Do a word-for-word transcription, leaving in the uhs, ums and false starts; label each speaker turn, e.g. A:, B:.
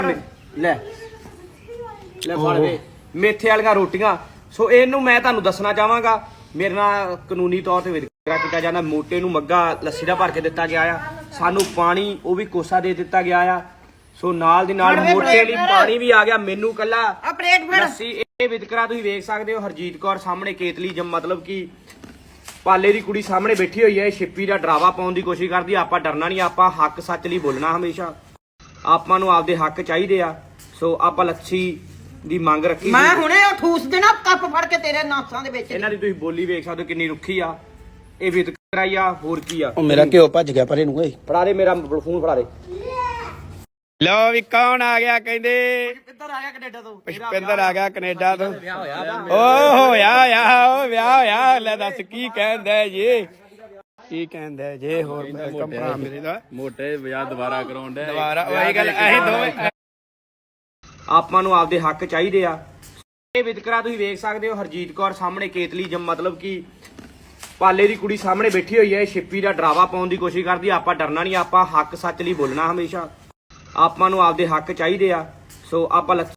A: ਲੈ ਲੈ ਫੜ ਵੇ ਮੇਥੇ ਵਾਲੀਆਂ ਰੋਟੀਆਂ। ਸੋ ਇਹਨੂੰ ਮੈਂ ਤੁਹਾਨੂੰ ਦੱਸਣਾ ਚਾਹਾਂਗਾ, ਮੇਰੇ ਨਾਲ ਕਾਨੂੰਨੀ ਤੌਰ ਤੇ ਵਿਤਕਰਾ ਕੀਤਾ ਜਾਂਦਾ। ਮੋਟੇ ਨੂੰ ਮੱਗਾ ਲੱਸੀ ਦਾ ਭਰ ਕੇ ਦਿੱਤਾ ਗਿਆ ਆ, ਸਾਨੂੰ ਪਾਣੀ ਉਹ ਵੀ ਕੋਸਾ ਦੇ ਦਿੱਤਾ ਗਿਆ ਆ। ਸੋ ਨਾਲ ਦੀ ਨਾਲ ਮੋਟੇ ਲਈ ਪਾਣੀ ਵੀ ਆ ਗਿਆ, ਮੈਨੂੰ ਕੱਲਾ ਲੱਸੀ। ਇਹ ਵਿਤਕਰਾ ਤੁਸੀਂ ਵੇਖ ਸਕਦੇ ਹੋ। ਹਰਜੀਤ ਕੌਰ ਸਾਹਮਣੇ ਕੇਤਲੀ ਜਮ ਮਤਲਬ ਕਿ ਪਾਲੇ ਦੀ ਕੁੜੀ ਸਾਹਮਣੇ ਬੈਠੀ ਹੋਈ ਹੈ, ਛਿੱਪੀ ਦਾ ਡਰਾਵਾ ਪਾਉਣ ਦੀ ਕੋਸ਼ਿਸ਼ ਕਰਦੀ। ਆਪਾਂ ਡਰਨਾ ਨਹੀਂ, ਆਪਾਂ ਹੱਕ ਸੱਚ ਲਈ ਬੋਲਣਾ ਹਮੇਸ਼ਾ। ਆਪਾਂ ਨੂੰ ਆਪਦੇ ਹੱਕ ਚਾਹੀਦੇ ਆ। ਸੋ ਆਪਾਂ ਲੱਸੀ ਦੀ ਮੰਗ ਰੱਖੀ।
B: ਮੈਂ ਹੁਣੇ ਉਹ ਠੂਸ ਦੇਣਾ ਕੱਪ ਫੜ ਕੇ ਤੇਰੇ ਨਾਸਾਂ ਦੇ ਵਿੱਚ।
A: ਇਹਨਾਂ ਦੀ ਤੁਸੀਂ ਬੋਲੀ ਵੇਖ ਸਕਦੇ ਹੋ ਕਿੰਨੀ ਰੁੱਖੀ ਆ। ਇਹ ਵਿਤਕਰਾ ਹੀ ਆ, ਹੋਰ ਕੀ ਆ।
C: ਉਹ ਮੇਰਾ ਘਿਓ ਭੱਜ ਗਿਆ ਪਰੇ ਨੂੰ ਓਏ।
A: ਫੜਾ ਦੇ ਮੇਰਾ ਫੋਨ, ਫੜਾ ਦੇ।
C: ਲਓ ਵੀ ਕੌਣ ਆ ਗਿਆ ਕਹਿੰਦੇ?
A: ਕਿੱਧਰ ਆ ਗਿਆ ਕੈਨੇਡਾ ਤੋਂ?
C: ਪੁਸ਼ਪਿੰਦਰ ਆ ਗਿਆ ਕੈਨੇਡਾ ਤੋਂ।
A: ਵਿਆਹ ਹੋਇਆ
C: ਓ ਹੋਇਆ ਹੋਇਆ ਓ ਵਿਆਹ ਹੋਇਆ। ਲੈ ਦੱਸ ਕੀ ਕਹਿੰਦਾ ਜੀ, ਕੀ ਕਹਿੰਦਾ ਜੇ? ਹੋਰ ਭਰਾ ਮੇਰੇ ਦਾ
D: ਮੋਟੇ ਵਿਆਹ ਦੁਬਾਰਾ ਕਰਾਉਣ ਦੇ
C: ਦੁਬਾਰਾ ਉਹੀ ਗੱਲ। ਅਸੀਂ ਦੋਵੇਂ
A: ਆਪਾਂ ਨੂੰ ਆਪਦੇ ਹੱਕ ਚਾਹੀਦੇ ਆ। ਇਹ ਵਿਤਕਰਾ ਤੁਸੀਂ ਵੇਖ ਸਕਦੇ ਹੋ। ਹਰਜੀਤ ਕੌਰ ਸਾਹਮਣੇ ਕੇਤਲੀ ਜਮ ਮਤਲਬ ਕਿ ਪਾਲੇ ਦੀ ਕੁੜੀ ਸਾਹਮਣੇ ਬੈਠੀ ਹੋਈ ਹੈ, ਛਿੱਪੀ ਦਾ ਡਰਾਵਾ ਪਾਉਣ ਦੀ ਕੋਸ਼ਿਸ਼ ਕਰਦੀ। ਆਪਾਂ ਡਰਨਾ ਨਹੀਂ, ਆਪਾਂ ਹੱਕ ਸੱਚ ਲਈ ਬੋਲਣਾ ਹਮੇਸ਼ਾ। ਆਪਾਂ ਨੂੰ ਆਪਦੇ ਹੱਕ ਚਾਹੀਦੇ ਆ। ਸੋ ਆਪਾਂ